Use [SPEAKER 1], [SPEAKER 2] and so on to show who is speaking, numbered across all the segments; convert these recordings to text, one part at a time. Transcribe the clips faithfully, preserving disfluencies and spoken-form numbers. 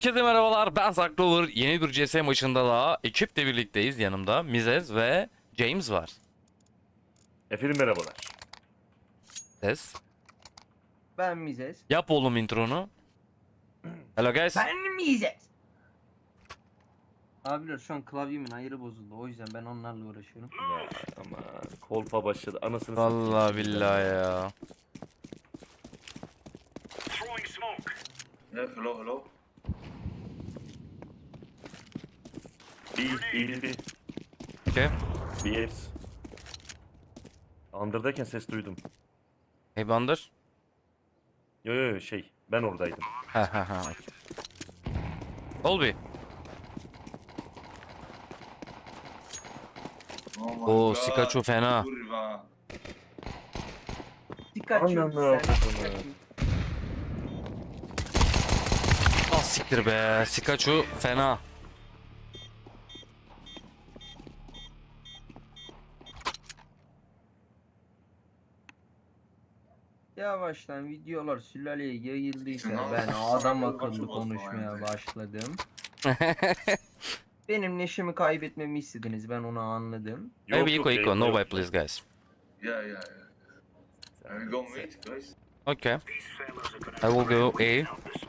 [SPEAKER 1] Herkese merhabalar, ben Zaklover. Yeni bir C S maçında daha ekiple birlikteyiz. Yanımda Mizez ve James var.
[SPEAKER 2] Efendim merhabalar.
[SPEAKER 1] Ses.
[SPEAKER 3] Ben Mizes.
[SPEAKER 1] Yap oğlum intronu. Hello guys.
[SPEAKER 3] Ben Mizes. Abiler şu an klavyemin ayarı bozuldu. O yüzden ben onlarla uğraşıyorum.
[SPEAKER 2] Ya aman kolpa başladı anasını
[SPEAKER 1] Vallahi
[SPEAKER 2] satayım.
[SPEAKER 1] billahi ya.
[SPEAKER 4] Yeah, hello, hello.
[SPEAKER 2] B, B, B,
[SPEAKER 1] Okay.
[SPEAKER 2] B, F's. Under'dayken ses duydum.
[SPEAKER 1] Hey Bander.
[SPEAKER 2] Yo yo yo şey ben oradaydım.
[SPEAKER 1] Ha ha ha. Olby.
[SPEAKER 4] Oh my
[SPEAKER 1] Oo,
[SPEAKER 4] god.
[SPEAKER 1] Sikachu fena.
[SPEAKER 4] Kurwa.
[SPEAKER 3] Pikachu.
[SPEAKER 2] Anam,
[SPEAKER 3] sen
[SPEAKER 2] Pikachu.
[SPEAKER 3] Pikachu.
[SPEAKER 1] Ah siktir be. Sikachu fena.
[SPEAKER 3] Yavaştan videolar sülaleye yayıldıysa
[SPEAKER 4] Tamam.
[SPEAKER 3] ben adam akıllı
[SPEAKER 4] Maçı bozma
[SPEAKER 3] konuşmaya
[SPEAKER 4] yani.
[SPEAKER 3] başladım. Benim neşemi kaybetmemi istediniz, ben onu anladım.
[SPEAKER 2] Yok,
[SPEAKER 1] Maybe
[SPEAKER 2] yok,
[SPEAKER 1] eco eco.
[SPEAKER 2] yayında
[SPEAKER 1] No
[SPEAKER 2] yok.
[SPEAKER 1] way please guys.
[SPEAKER 4] Yeah, yeah, yeah. Are we going mid, guys?
[SPEAKER 1] Okay. I will go A.
[SPEAKER 4] Me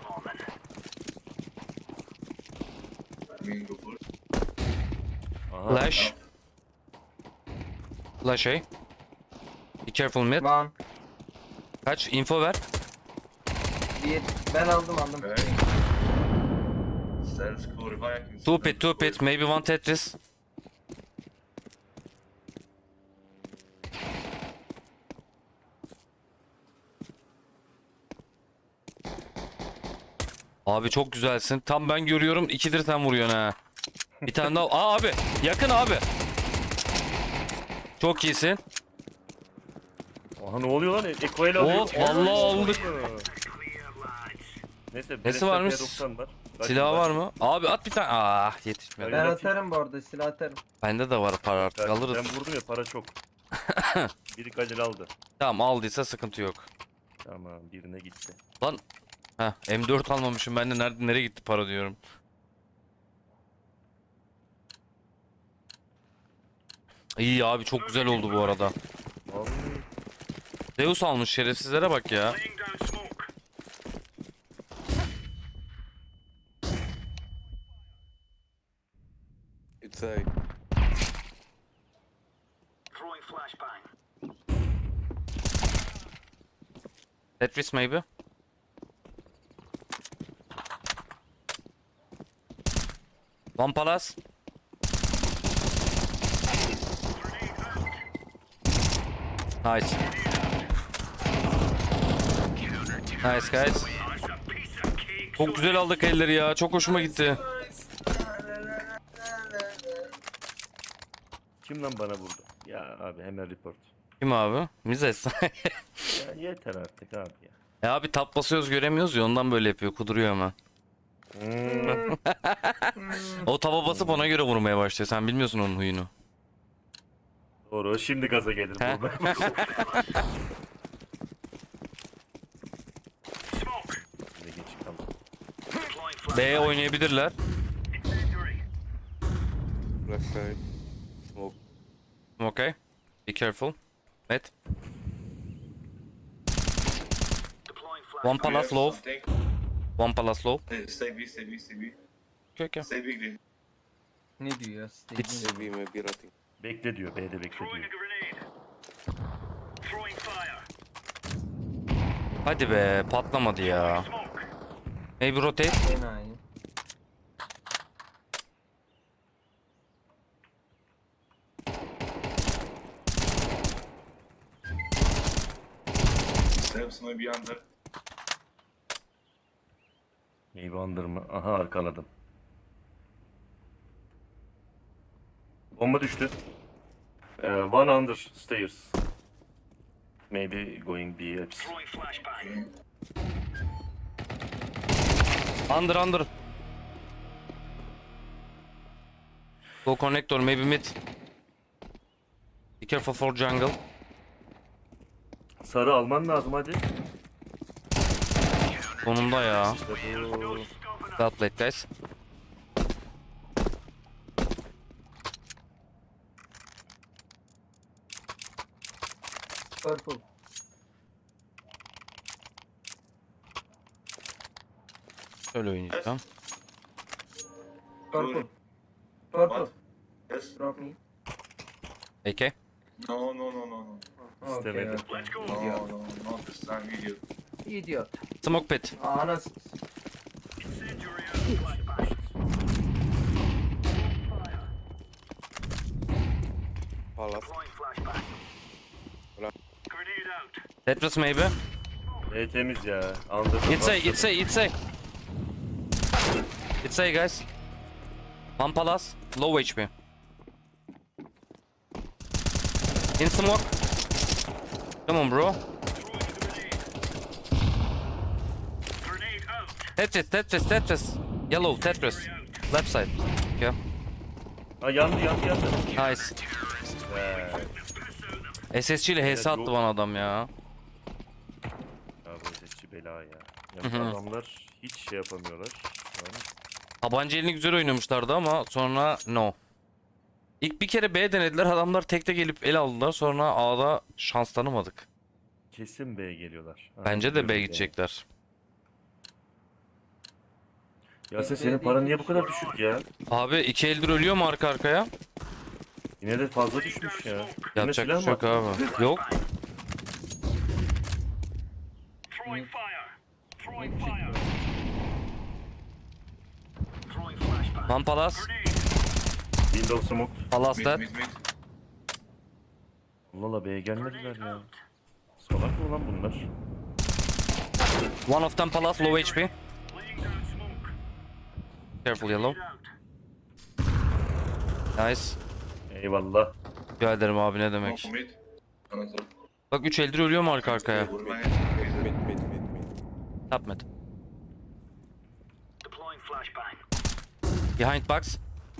[SPEAKER 4] and go first.
[SPEAKER 2] Aha,
[SPEAKER 1] Flash. Flash A. Be careful mid.
[SPEAKER 3] Lan
[SPEAKER 1] Kaç? Info ver.
[SPEAKER 3] bir ben aldım aldım.
[SPEAKER 4] Okay. Stairs, cool. If I can
[SPEAKER 1] Two pit, two pit. Maybe one Tetris. Abi çok güzelsin. Tam ben görüyorum. İkidir sen vuruyorsun ha. Bir tane daha. Aa abi. Yakın abi. Çok iyisin.
[SPEAKER 2] aha ne oluyor lan? Eko ile alıyor.
[SPEAKER 1] Oh, vallahi aldık.
[SPEAKER 2] Neyse.
[SPEAKER 1] Nesi
[SPEAKER 2] Nesi
[SPEAKER 1] varmış?
[SPEAKER 2] var?
[SPEAKER 1] Silah var mı? Abi at bir tane. Ah yetişmedi.
[SPEAKER 3] Ben atarım bu arada, silah atarım.
[SPEAKER 1] Bende de var para artık
[SPEAKER 2] Ben,
[SPEAKER 1] alırız.
[SPEAKER 2] ben vurdum ya para çok. Biri Galil aldı.
[SPEAKER 1] Tamam aldıysa sıkıntı yok.
[SPEAKER 2] Tamam birine gitti.
[SPEAKER 1] Lan. Heh, M dört almamışım ben de nerede nereye gitti para diyorum. İyi abi çok güzel oldu bu arada.
[SPEAKER 2] Vallahi.
[SPEAKER 1] Zeus almış şerefsizlere bak ya.
[SPEAKER 5] It's a
[SPEAKER 1] Tetris maybe. One Palace. Nice. Nice guys. Çok güzel aldık elleri ya. Çok hoşuma gitti.
[SPEAKER 2] Kim lan bana vurdu? Ya abi hemen report.
[SPEAKER 1] Kim abi? Mizes.
[SPEAKER 2] Ya yeter artık abi ya.
[SPEAKER 1] E abi tap basıyoruz göremiyoruz ya ondan böyle yapıyor. Kuduruyor hemen.
[SPEAKER 2] Hmm.
[SPEAKER 1] O tava basıp ona göre vurmaya başlıyor. Sen bilmiyorsun onun huyunu.
[SPEAKER 2] Doğru şimdi gaza gelir
[SPEAKER 1] He?
[SPEAKER 2] bu. Ne geç kaldı.
[SPEAKER 1] B oynayabilirler.
[SPEAKER 5] left side. Smoke.
[SPEAKER 1] Okay. Be careful. Met. One
[SPEAKER 4] Do you have
[SPEAKER 1] Palace low.
[SPEAKER 4] something?
[SPEAKER 1] One Palace low.
[SPEAKER 4] Hey, stay B, stay B, stay B.
[SPEAKER 1] Okay, okay.
[SPEAKER 4] Stay B, green.
[SPEAKER 3] Ne diyor ya?
[SPEAKER 1] It's-
[SPEAKER 5] Maybe, maybe rotting.
[SPEAKER 2] Bekle diyor. B'de bekle diyor.
[SPEAKER 1] Hadi be patlamadı ya. Maybe rotate.
[SPEAKER 3] Enayi.
[SPEAKER 4] Steps maybe under.
[SPEAKER 2] Neyi bandır mı? Aha arkaladım. Bomba düştü. Ee, one under stairs. Maybe going B. Hepsi.
[SPEAKER 1] Under under. Go connector maybe mid. Be careful for jungle.
[SPEAKER 2] Sarı alman lazım hadi.
[SPEAKER 1] Sonunda ya.
[SPEAKER 2] İşte bu.
[SPEAKER 1] Well played, guys.
[SPEAKER 3] Purple.
[SPEAKER 1] Şöyle oynayacağım.
[SPEAKER 3] Purple. Purple.
[SPEAKER 4] What? Yes?
[SPEAKER 3] Drop me.
[SPEAKER 1] A K.
[SPEAKER 4] No, no, no, no, no.
[SPEAKER 2] İstemedi.
[SPEAKER 3] Okay,
[SPEAKER 4] No,
[SPEAKER 3] okay. Idiot.
[SPEAKER 4] no, not this time, idiot.
[SPEAKER 3] Idiot.
[SPEAKER 1] Smoke pit.
[SPEAKER 3] Anası.
[SPEAKER 5] Palace.
[SPEAKER 1] Tetris maybe.
[SPEAKER 2] E temiz ya. Under.
[SPEAKER 1] It's A, it's A, it's A. It's A, guys. One palace, low H P. In smoke. Come on, bro. Tetris, Tetris, Tetris. Yellow, Tetris. Left side. Yeah.
[SPEAKER 2] Ha yandı yandı yandı.
[SPEAKER 1] Nice.
[SPEAKER 2] Ee,
[SPEAKER 1] S S G ile H S
[SPEAKER 2] Evet,
[SPEAKER 1] attı
[SPEAKER 2] bu-
[SPEAKER 1] bana adam ya.
[SPEAKER 2] ya bu sesçi bela ya. Yani
[SPEAKER 1] Hı hı.
[SPEAKER 2] adamlar hiç şey yapamıyorlar. şu an.
[SPEAKER 1] Tabanca elini güzel oynamışlardı ama sonra no. İlk bir kere B denediler, adamlar tekte gelip el aldılar, sonra A'da şans tanımadık.
[SPEAKER 2] Kesin B'ye geliyorlar. Ha,
[SPEAKER 1] Bence de B
[SPEAKER 2] biliyorum
[SPEAKER 1] gidecekler.
[SPEAKER 2] yani. Yasin senin paran niye bu kadar düşük ya?
[SPEAKER 1] Abi iki eldir ölüyor mu arka arkaya?
[SPEAKER 2] Yine de fazla düşmüş ya. Yine
[SPEAKER 1] Yapacak bir
[SPEAKER 2] silah
[SPEAKER 1] şey yok
[SPEAKER 2] mı?
[SPEAKER 1] abi. Yok. One Palace.
[SPEAKER 2] Windows smoke.
[SPEAKER 1] Palace
[SPEAKER 4] Mid,
[SPEAKER 1] dead.
[SPEAKER 4] mid, mid.
[SPEAKER 2] Allah Allah B'ye gelmediler ya. Salak mı lan bunlar?
[SPEAKER 1] One of them Palace, low H P. Careful yellow. Nice.
[SPEAKER 2] Eyvallah.
[SPEAKER 1] Rica ederim abi, ne
[SPEAKER 4] Smoke
[SPEAKER 1] demek.
[SPEAKER 4] mid. Another.
[SPEAKER 1] Bak üç eldir ölüyor mu arka arkaya?
[SPEAKER 4] Vurma
[SPEAKER 5] Mid, mid, mid, mid.
[SPEAKER 1] Top mid. Behind box.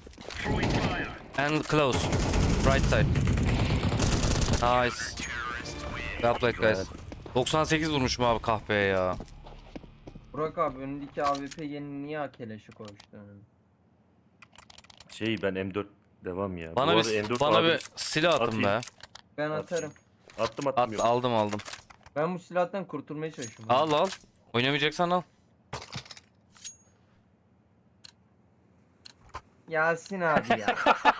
[SPEAKER 1] And close. Right side. Nice. Well played, guys. doksan sekiz vurmuşum abi kahpeye ya.
[SPEAKER 3] Burak abi önündeki A W P yeni niye akeleşi koymuştun?
[SPEAKER 2] Şey ben M dört devam ya.
[SPEAKER 1] Bana
[SPEAKER 2] Bu
[SPEAKER 1] bir
[SPEAKER 2] arada M dört
[SPEAKER 1] bana
[SPEAKER 2] abi-
[SPEAKER 1] bir silah atın
[SPEAKER 2] atayım.
[SPEAKER 1] be.
[SPEAKER 3] Ben
[SPEAKER 2] At.
[SPEAKER 3] atarım.
[SPEAKER 2] Attım attım
[SPEAKER 1] At,
[SPEAKER 2] yok.
[SPEAKER 1] aldım aldım.
[SPEAKER 3] Ben bu silahtan kurtulmaya çalışıyorum.
[SPEAKER 1] Al al. Oynamayacaksan al.
[SPEAKER 3] Yasin abi ya.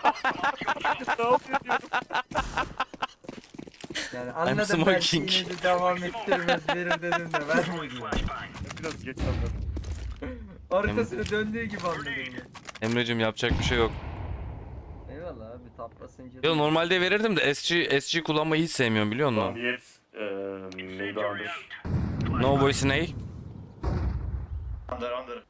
[SPEAKER 3] Yani anladım belki
[SPEAKER 1] smoking.
[SPEAKER 3] yine de devam ettirmez verir dedim de vermedi ya.
[SPEAKER 2] Biraz geç anladım.
[SPEAKER 3] Arkasını döndüğü gibi anladım ya.
[SPEAKER 1] Emre'cim yapacak bir şey yok.
[SPEAKER 3] Eyvallah abi tap basınca.
[SPEAKER 1] Yo, normalde verirdim de S G S G kullanmayı hiç sevmiyorum, biliyor
[SPEAKER 2] Tamam
[SPEAKER 1] musun?
[SPEAKER 2] yes. Eee neydi under?
[SPEAKER 1] No voice ne?
[SPEAKER 4] Under, under.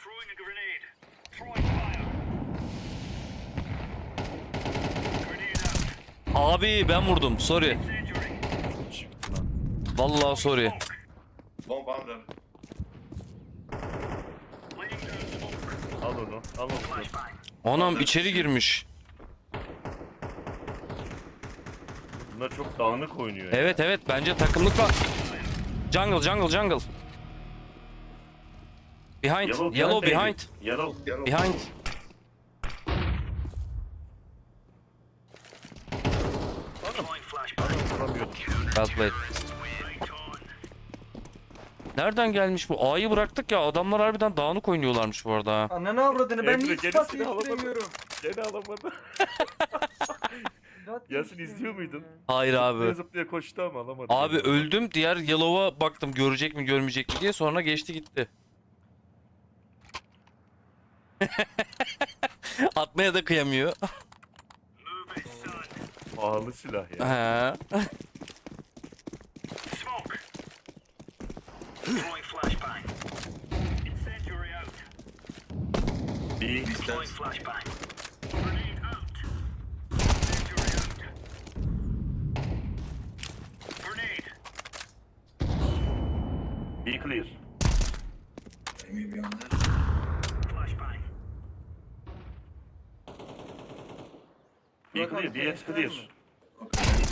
[SPEAKER 1] Abi ben vurdum. Sorry.
[SPEAKER 2] Çıktı lan.
[SPEAKER 1] Vallahi sorry.
[SPEAKER 4] Bomb under.
[SPEAKER 2] Al onu. Al onu.
[SPEAKER 1] Anam içeri girmiş.
[SPEAKER 2] Bunlar çok dağınık oynuyor ya.
[SPEAKER 1] Evet evet, bence takımlık var. Jungle jungle jungle. Behind. Yellow,
[SPEAKER 2] baby.
[SPEAKER 1] behind.
[SPEAKER 2] Yellow.
[SPEAKER 4] Yellow.
[SPEAKER 1] Behind.
[SPEAKER 2] Vuramıyordum.
[SPEAKER 1] Well played. Nereden gelmiş bu? A'yı bıraktık ya, adamlar harbiden dağınık oynuyorlarmış bu arada. ha.
[SPEAKER 3] Ananı avradını ben
[SPEAKER 2] Emre,
[SPEAKER 3] hiç
[SPEAKER 2] geri
[SPEAKER 3] pas
[SPEAKER 2] silah alamadım.
[SPEAKER 3] değiştiremiyorum.
[SPEAKER 2] Gene alamadı.
[SPEAKER 3] Zat
[SPEAKER 2] Yasin
[SPEAKER 3] değiştiremiyorum
[SPEAKER 2] izliyor muydun?
[SPEAKER 3] ya.
[SPEAKER 1] Hayır
[SPEAKER 2] Zıplaya
[SPEAKER 1] abi.
[SPEAKER 2] zıplaya koştu ama alamadı.
[SPEAKER 1] Abi öldüm, diğer Yellow'a baktım görecek mi görmeyecek mi diye, sonra geçti gitti. Atmaya da kıyamıyor.
[SPEAKER 2] Pahalı silah ya.
[SPEAKER 1] He.
[SPEAKER 2] Bir
[SPEAKER 4] Distance.
[SPEAKER 2] be clear.
[SPEAKER 4] Maybe under.
[SPEAKER 2] Be
[SPEAKER 3] Burak
[SPEAKER 2] clear.
[SPEAKER 3] abi,
[SPEAKER 2] Be
[SPEAKER 3] flash var
[SPEAKER 2] clear.
[SPEAKER 3] mı?
[SPEAKER 4] Okay.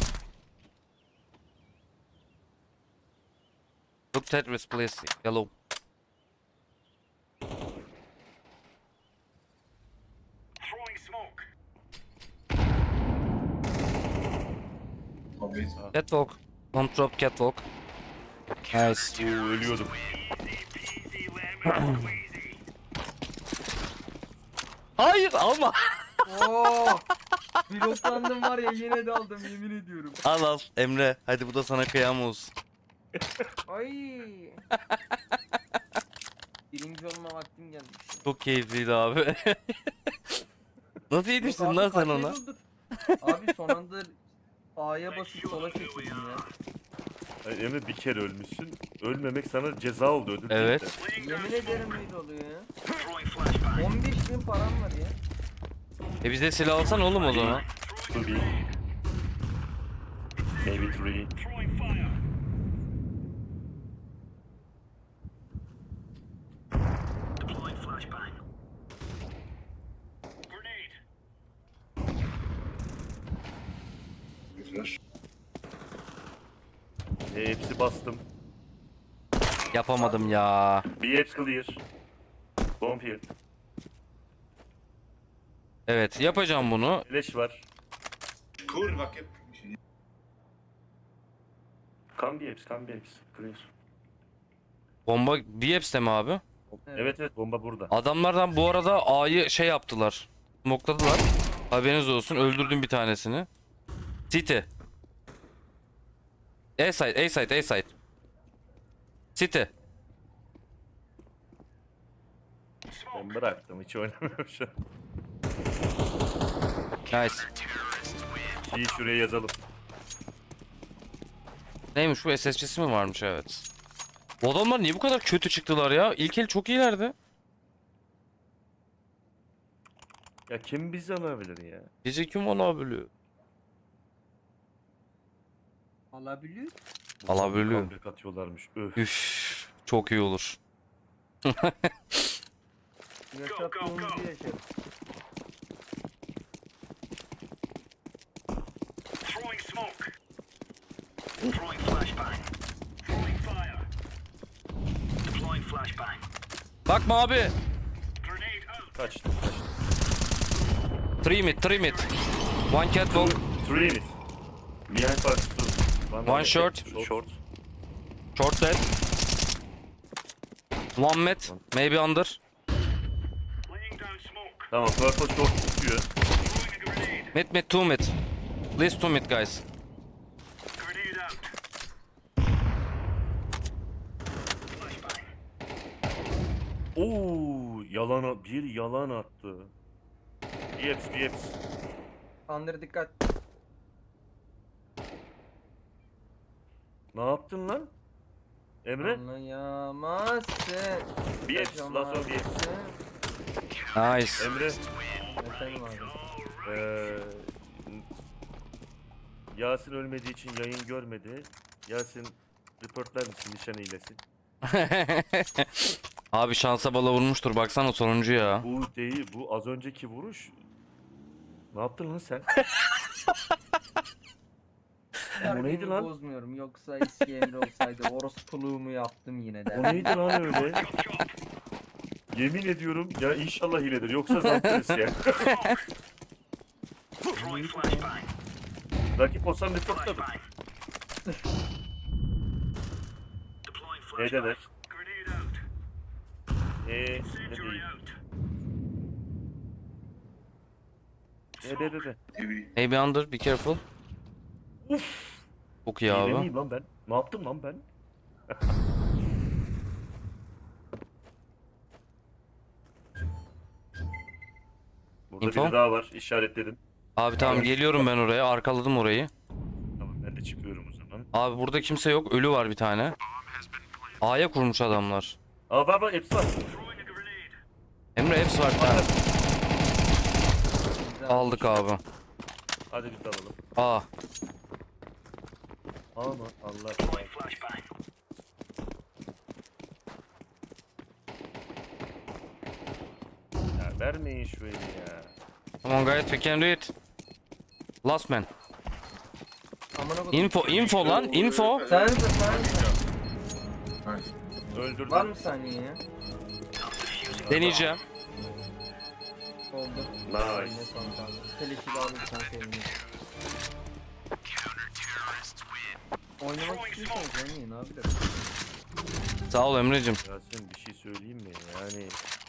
[SPEAKER 1] Look Tetris please. Yellow.
[SPEAKER 4] Oh, mid.
[SPEAKER 1] Catwalk. Don't drop catwalk. Nice.
[SPEAKER 2] Oo, ölüyordum.
[SPEAKER 1] Hayır alma.
[SPEAKER 3] Oo! Bloklandım var ya yine de aldım yemin ediyorum.
[SPEAKER 1] Al al Emre. Hadi bu da sana kıyam olsun.
[SPEAKER 3] Ay. Birinci olma vaktim gelmiş.
[SPEAKER 1] Çok keyifliydi abi. Nasıl yetiştin
[SPEAKER 3] Yok
[SPEAKER 1] lan
[SPEAKER 3] abi,
[SPEAKER 1] sen
[SPEAKER 3] kaç el
[SPEAKER 1] ona?
[SPEAKER 3] oldu? Abi son anda A'ya basıp sola çekildim ya.
[SPEAKER 2] Ay, Emre bir kere ölmüşsün. Ölmemek sana ceza oldu, ödül değil
[SPEAKER 1] Evet.
[SPEAKER 2] de.
[SPEAKER 3] Yemin ederim öyle oluyor ya. on beş bin param var ya.
[SPEAKER 1] E bize silah alsan oğlum o zaman.
[SPEAKER 2] Two B. Maybe three.
[SPEAKER 4] Flash.
[SPEAKER 2] E, hepsi bastım.
[SPEAKER 1] Yapamadım ya.
[SPEAKER 2] B hepsi clear. Bomb here.
[SPEAKER 1] Evet yapacağım bunu.
[SPEAKER 2] Flash var.
[SPEAKER 4] Kurwa, kiep.
[SPEAKER 2] Come B hepsi, come B hepsi. Clear.
[SPEAKER 1] Bomba B heps'te mi abi?
[SPEAKER 2] Evet evet, bomba burada.
[SPEAKER 1] Adamlardan bu arada A'yı şey yaptılar. Smokladılar. Haberiniz olsun. Öldürdüm bir tanesini. City. A side, A side, A side. City.
[SPEAKER 2] Ben bıraktım, hiç oynamıyorum şu an.
[SPEAKER 1] Nice.
[SPEAKER 2] Şeyi şuraya yazalım.
[SPEAKER 1] Neymiş bu, S S C'si mi varmış, evet. Bu adamlar niye bu kadar kötü çıktılar ya? İlk el çok iyilerdi.
[SPEAKER 2] Ya kim bizi alabilir ya?
[SPEAKER 1] Bizi kim alabiliyor?
[SPEAKER 3] Alabiliyor.
[SPEAKER 1] Alabiliyor.
[SPEAKER 2] Comeback atıyorlarmış. Öf.
[SPEAKER 1] Üf, çok iyi olur.
[SPEAKER 3] Yaşattığımızı yaşarız.
[SPEAKER 6] Throwing smoke. Throwing flashbang. Throwing fire. Deploying flashbang.
[SPEAKER 1] Bakma abi.
[SPEAKER 6] Grenade out.
[SPEAKER 2] Kaçtı, kaçtı.
[SPEAKER 1] Three mid, three mid. One catwalk,
[SPEAKER 2] Three mid. Behind box two.
[SPEAKER 1] One short.
[SPEAKER 2] Short.
[SPEAKER 1] short dead. One mid, maybe under.
[SPEAKER 6] Laying down smoke.
[SPEAKER 2] Tamam, purple short tutuyor.
[SPEAKER 6] Throwing a grenade.
[SPEAKER 1] Mid mid, two mid. Please two mid guys.
[SPEAKER 6] Grenade out. Flashbang.
[SPEAKER 2] Oo, yalan a- bir yalan attı. Yeps, yeps.
[SPEAKER 3] Under dikkat.
[SPEAKER 2] Ne yaptın lan? Emre?
[SPEAKER 3] Anlayamazsın.
[SPEAKER 2] Yeps, lazo yeps.
[SPEAKER 1] Nice.
[SPEAKER 2] Emre,
[SPEAKER 3] Efendim abi.
[SPEAKER 2] eee Yasin ölmediği için yayın görmedi. Yasin reportlar mısın nişan hilesi?
[SPEAKER 1] Abi şansa bala vurmuştur, baksana sonuncu ya.
[SPEAKER 2] Bu değil, bu az önceki vuruş. Ne yaptın lan sen? O neydi lan?
[SPEAKER 3] Bozmuyorum. Yoksa eski Emre olsaydı orospuluğumu yaptım yine de.
[SPEAKER 2] O neydi lan öyle? Yemin ediyorum ya, inşallah hiledir, yoksa zantarız ya.
[SPEAKER 6] Throwing flashbang.
[SPEAKER 2] Rakip olsam reportladım.
[SPEAKER 6] Flashbang. Deploying flashbang.
[SPEAKER 2] Nedeler?
[SPEAKER 6] Grenade out.
[SPEAKER 2] Eee ne
[SPEAKER 6] Incendiary
[SPEAKER 2] değil?
[SPEAKER 6] out.
[SPEAKER 2] E be be be.
[SPEAKER 4] T V.
[SPEAKER 1] Maybe under, be careful.
[SPEAKER 2] Uf.
[SPEAKER 1] Çok iyi
[SPEAKER 2] Hile
[SPEAKER 1] abi.
[SPEAKER 2] miyim lan ben? Ne yaptım lan ben? Burada
[SPEAKER 1] Info?
[SPEAKER 2] biri daha var, işaretledim.
[SPEAKER 1] Abi tamam, geliyorum ben oraya, arkaladım orayı.
[SPEAKER 2] Tamam, ben de çıkıyorum o zaman.
[SPEAKER 1] Abi burada kimse yok, ölü var bir tane. A'ya kurmuş adamlar.
[SPEAKER 2] Aa bak bak, hepsi var.
[SPEAKER 6] Throwing a grenade.
[SPEAKER 1] Emre hepsi var bir tane. Aldık abi.
[SPEAKER 2] Hadi biz de alalım.
[SPEAKER 1] A.
[SPEAKER 2] Ama Allah.
[SPEAKER 6] Deploying flashbang.
[SPEAKER 2] Ya vermeyin şu eli ya.
[SPEAKER 1] Come on guys, we can do it. Last man.
[SPEAKER 3] Amına kodum.
[SPEAKER 1] Info, info lan, info.
[SPEAKER 3] Sen de sen de.
[SPEAKER 4] Nice.
[SPEAKER 2] Öldürdüm.
[SPEAKER 3] Var mı saniye ya?
[SPEAKER 1] Deneyeceğim.
[SPEAKER 3] Oldu.
[SPEAKER 2] Nice.
[SPEAKER 3] Yine son kaldı. Teleşi de alırsan sevinirim. Oynamak istiyorsanız oynayın abi de.
[SPEAKER 1] Sağ ol Emre'cim.
[SPEAKER 2] Yasin bir şey söyleyeyim mi? Yani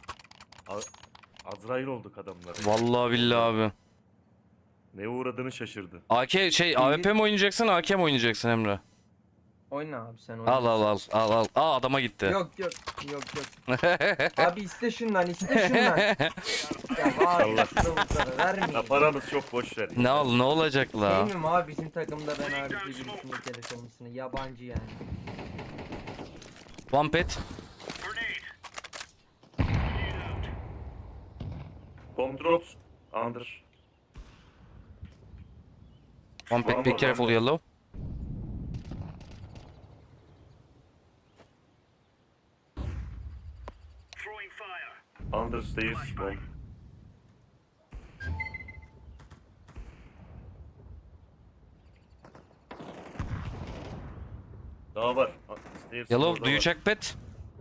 [SPEAKER 2] A- Azrail olduk adamlar.
[SPEAKER 1] Vallahi billahi abi.
[SPEAKER 2] Neye uğradığını şaşırdı.
[SPEAKER 1] A K şey A W P mi oynayacaksın A K mi oynayacaksın Emre?
[SPEAKER 3] Oyna abi sen oyna.
[SPEAKER 1] Al al al al al. Aa adama gitti.
[SPEAKER 3] Yok yok yok yok. Abi iste şundan iste şundan. Ya var
[SPEAKER 2] Allah.
[SPEAKER 3] kılavuzları vermeyin.
[SPEAKER 2] Ya paramız çok, boş ver.
[SPEAKER 1] Ne al ne olacak la?
[SPEAKER 3] Sevmiyorum abi bizim takımda ben abi birisinin keleş olmasını. Yabancı yani.
[SPEAKER 1] One pet.
[SPEAKER 6] Grenade. Grenade out.
[SPEAKER 2] Bomb drops. Under.
[SPEAKER 1] One pet. Be careful yellow.
[SPEAKER 6] Throwing fire.
[SPEAKER 2] Under stairs. Bomb. Daha var. Stairs
[SPEAKER 1] Yellow
[SPEAKER 2] orada
[SPEAKER 1] do you
[SPEAKER 2] var.
[SPEAKER 1] check pet?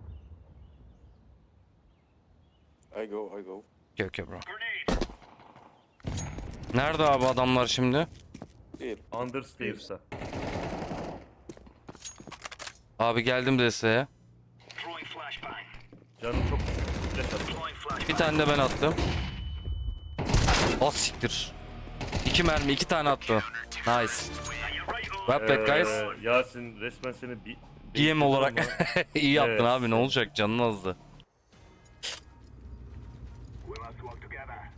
[SPEAKER 5] I go, I go.
[SPEAKER 1] Okay okay bro.
[SPEAKER 6] Grenade.
[SPEAKER 1] Nerede abi adamlar şimdi?
[SPEAKER 5] Here.
[SPEAKER 2] Under stairs'a.
[SPEAKER 1] Abi geldim desteğe.
[SPEAKER 6] Throwing flashbang.
[SPEAKER 2] Canım çok flash attı.
[SPEAKER 6] Deploying flashbang.
[SPEAKER 1] Bir tane de ben attım. O siktir. İki mermi iki tane attı. Nice.
[SPEAKER 6] And you're right on.
[SPEAKER 1] Well played guys.
[SPEAKER 2] Ee, Yasin resmen seni bir
[SPEAKER 1] G M olarak iyi yaptın
[SPEAKER 2] Evet.
[SPEAKER 1] abi ne olacak canın azdı.
[SPEAKER 6] We'll have to work together.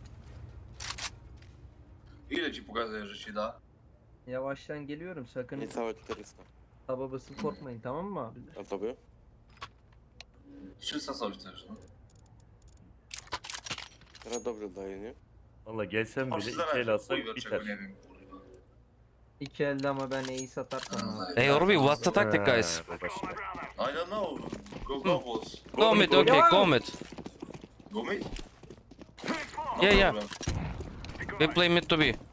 [SPEAKER 4] Ile ci pokazuję, że się da?
[SPEAKER 3] Yavaştan geliyorum sakın
[SPEAKER 5] Niecałe czterysta.
[SPEAKER 3] taba basıp korkmayın tamam mı abi?
[SPEAKER 5] A tobie?
[SPEAKER 4] trzysta coś też, no.
[SPEAKER 5] Teraz dobrze daje, nie?
[SPEAKER 2] Valla gelsem
[SPEAKER 4] Aż
[SPEAKER 2] bile iki
[SPEAKER 4] zależy,
[SPEAKER 2] el alsak
[SPEAKER 4] chuj, dlaczego
[SPEAKER 2] biter.
[SPEAKER 4] nie wiem, kurwa.
[SPEAKER 3] İki elde ama ben E'yi satarsam abi.
[SPEAKER 1] Hey Orbi what's the tactic
[SPEAKER 2] Ha,
[SPEAKER 1] guys?
[SPEAKER 2] bu başka.
[SPEAKER 4] I don't know. Go, go, boss.
[SPEAKER 1] Go mid okay go mid.
[SPEAKER 4] Go mid? No
[SPEAKER 1] Yeah, yeah.
[SPEAKER 4] problem.
[SPEAKER 1] We play mid to be.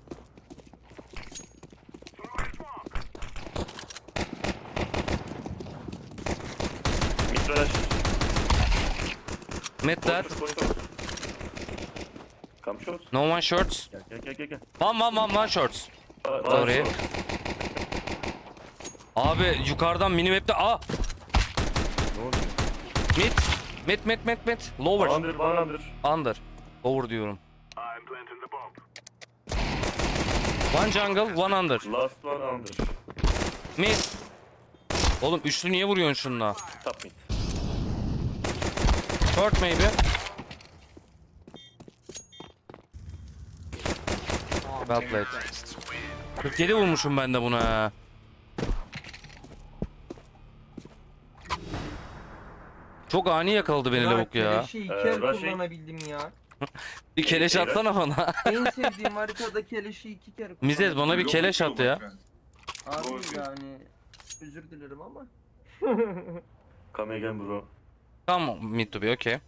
[SPEAKER 2] Mid flash.
[SPEAKER 1] Mid that.
[SPEAKER 2] Koş, koş, koş. Come short.
[SPEAKER 1] No one shorts.
[SPEAKER 2] Gel gel gel gel. gel.
[SPEAKER 1] One one one one shorts.
[SPEAKER 2] Aa,
[SPEAKER 1] Sorry.
[SPEAKER 2] aa,
[SPEAKER 1] Abi yukarıdan minimap'te a
[SPEAKER 2] Ne oluyor?
[SPEAKER 1] mid mid mid mid mid lower
[SPEAKER 2] Under, one under.
[SPEAKER 1] under over diyorum.
[SPEAKER 6] I'm planting the bomb.
[SPEAKER 1] One jungle one under
[SPEAKER 2] Last one under.
[SPEAKER 1] mid. Oğlum üçlü niye vuruyorsun şununla?
[SPEAKER 2] Top mid.
[SPEAKER 1] Short maybe. Well played. kırk yedi vurmuşum ben de buna. ha. Çok ani yakaladı beni lavuk ya.
[SPEAKER 3] Keleşi iki
[SPEAKER 2] Ee,
[SPEAKER 3] el
[SPEAKER 2] Rushing.
[SPEAKER 3] kullanabildim ya.
[SPEAKER 1] Bir keleş atsana bana.
[SPEAKER 3] En sevdiğim haritada keleşi iki kere kullandım.
[SPEAKER 1] Mizez bana bir
[SPEAKER 4] Go
[SPEAKER 1] keleş
[SPEAKER 4] mid,
[SPEAKER 1] at
[SPEAKER 4] go,
[SPEAKER 1] ya.
[SPEAKER 4] my friend.
[SPEAKER 3] Abi yani özür dilerim ama.
[SPEAKER 2] Come again bro.
[SPEAKER 1] Tamam mid to be okay.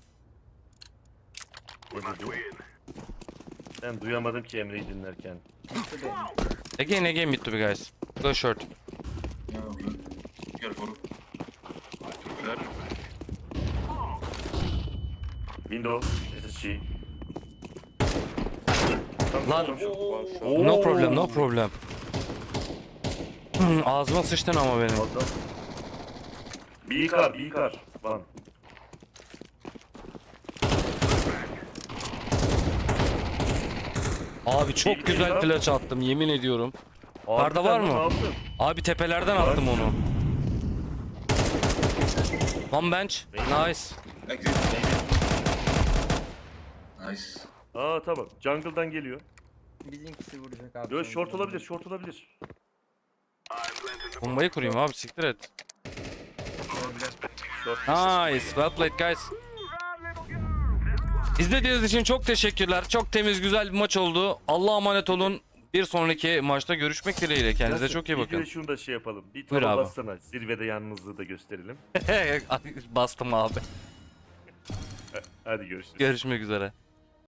[SPEAKER 2] Ne dedi? Ben duyamadım ki Emre'yi dinlerken.
[SPEAKER 3] Bitti benim.
[SPEAKER 1] Again again mid to be guys. Go short.
[SPEAKER 4] Nie, dobrze. Careful. Clear.
[SPEAKER 2] Window. S S G.
[SPEAKER 1] Lan.
[SPEAKER 5] One shot.
[SPEAKER 1] No problem no problem. Hmm, ağzıma sıçtın ama benim.
[SPEAKER 2] Adam. B car, B car. One.
[SPEAKER 1] Abi çok güzel flash attım yemin ediyorum. Arda
[SPEAKER 2] Harbiden
[SPEAKER 1] var
[SPEAKER 2] lan,
[SPEAKER 1] mı?
[SPEAKER 2] Ne yaptın?
[SPEAKER 1] Abi tepelerden attım onu. One bench. Nice.
[SPEAKER 4] Exit. Nice.
[SPEAKER 2] Aa tamam. Jungle'dan geliyor.
[SPEAKER 3] Bizimkisi vuracak abi.
[SPEAKER 2] Yo
[SPEAKER 3] sonra.
[SPEAKER 2] short olabilir, short olabilir.
[SPEAKER 1] Bombayı kurayım abi siktir et.
[SPEAKER 2] Short.
[SPEAKER 1] Nice. Well played guys. İzlediğiniz için çok teşekkürler. Çok temiz güzel bir maç oldu. Allah'a emanet olun. Bir sonraki maçta görüşmek dileğiyle. Kendinize
[SPEAKER 2] Yasin,
[SPEAKER 1] çok iyi
[SPEAKER 2] bir
[SPEAKER 1] bakın.
[SPEAKER 2] de şunu da şey yapalım. Bir
[SPEAKER 1] Buyur
[SPEAKER 2] tava
[SPEAKER 1] abi.
[SPEAKER 2] bassana. Zirvede yalnızlığı da gösterelim.
[SPEAKER 1] Bastım abi.
[SPEAKER 2] Hadi görüşürüz.
[SPEAKER 1] Görüşmek üzere.